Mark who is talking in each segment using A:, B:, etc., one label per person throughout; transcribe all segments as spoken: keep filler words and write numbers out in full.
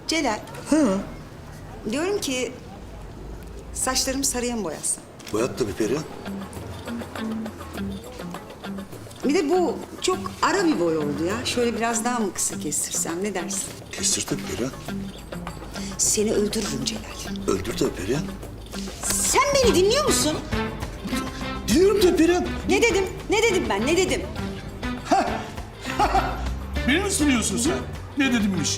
A: Celal.
B: Hı.
A: Diyorum ki saçlarımı sarıya mı boyatsam?
B: Boyat tabii Perihan.
A: Bir de bu çok ara bir boy oldu ya. Şöyle biraz daha mı kısa kestirsem ne dersin?
B: Kestir tabii Perihan.
A: Seni öldürürüm Celal.
B: Öldür tabii Perihan.
A: Sen beni dinliyor musun?
B: Diyorum tabii Perihan.
A: Ne dedim? Ne dedim ben? Ne dedim?
C: Beni mi sınıyorsun sen? Ne dedimmiş?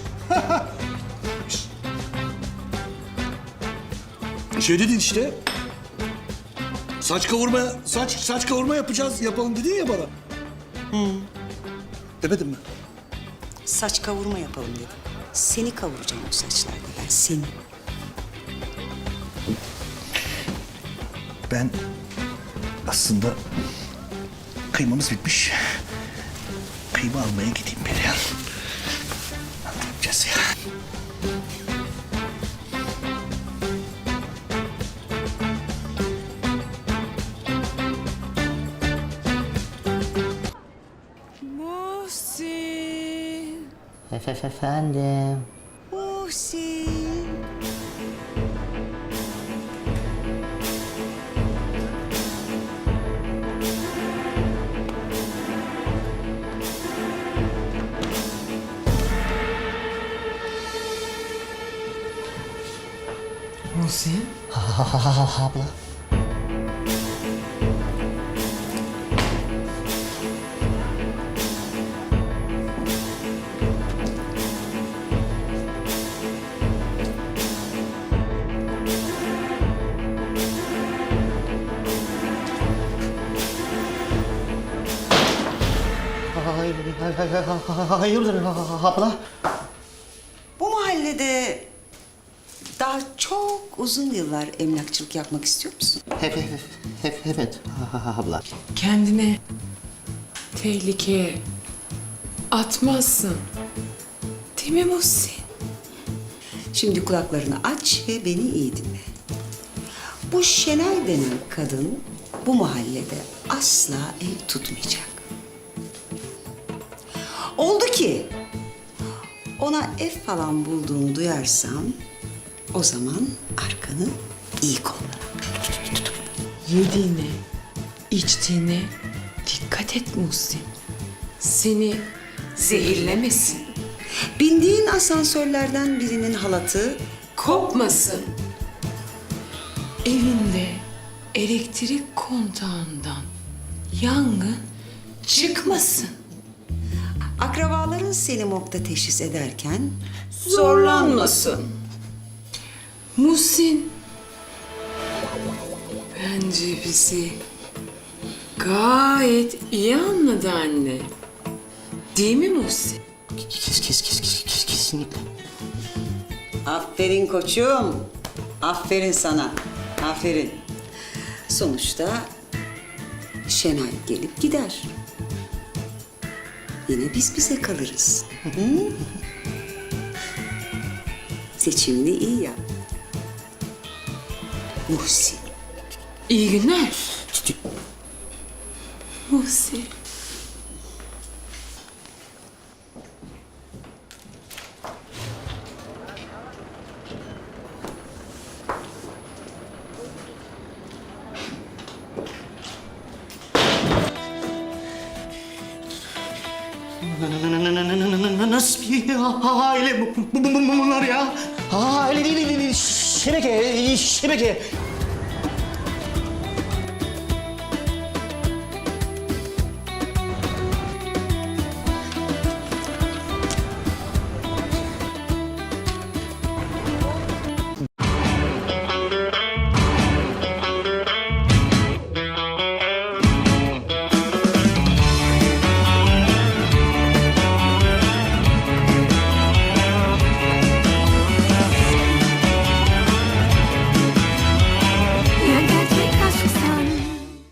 B: Şey dedin işte. Saç kavurma, saç saç kavurma yapacağız, yapalım dedin ya bana. Hı. Demedin mi?
A: Saç kavurma yapalım dedim. Seni kavuracağım o saçlarda ben, seni.
B: Ben aslında kıymamız bitmiş. Kıyma almaya gideyim Perihan. Ne yapacağız ya?
A: Muhsin,
D: Efef efendim.
A: Muhsin.
D: Muhsin? Ha, ha, ha, ha, ha, abla. Hayır, hayır, hayır, hayırdır abla?
A: Bu mahallede daha çok uzun yıllar emlakçılık yapmak istiyor musun?
D: Hep, hep, hep, evet ha, ha, abla.
E: Kendine tehlikeye atmazsın. Değil mi Muhsin?
A: Şimdi kulaklarını aç ve beni iyi dinle. Bu Şenay denen kadın bu mahallede asla ev tutmayacak. Oldu ki ona ev falan bulduğunu duyarsam o zaman arkanı iyi kolla.
E: Yediğine, içtiğine dikkat et Muhsin. Seni zehirlemesin.
A: Bindiğin asansörlerden birinin halatı
E: Kopmasın. Evinde elektrik kontağından yangın çıkmasın.
A: akrabaların seni morgda teşhis ederken
E: Zorlanmasın. Muhsin bence bizi gayet iyi anladı anne. Değil mi Muhsin?
D: Kes, kes, kes, kes, kes, kesinlikle.
A: aferin koçum. Aferin sana. Aferin. Sonuçta Şenay gelip gider. Yine biz bize kalırız. Hı? Seçimini iyi yap. Muhsin.
E: İyi günler. Muhsin.
D: Nasıl bir aile bu, bu, bu, bu- bunlar ya? Aile değil, değil, değil, şebeke, şebeke.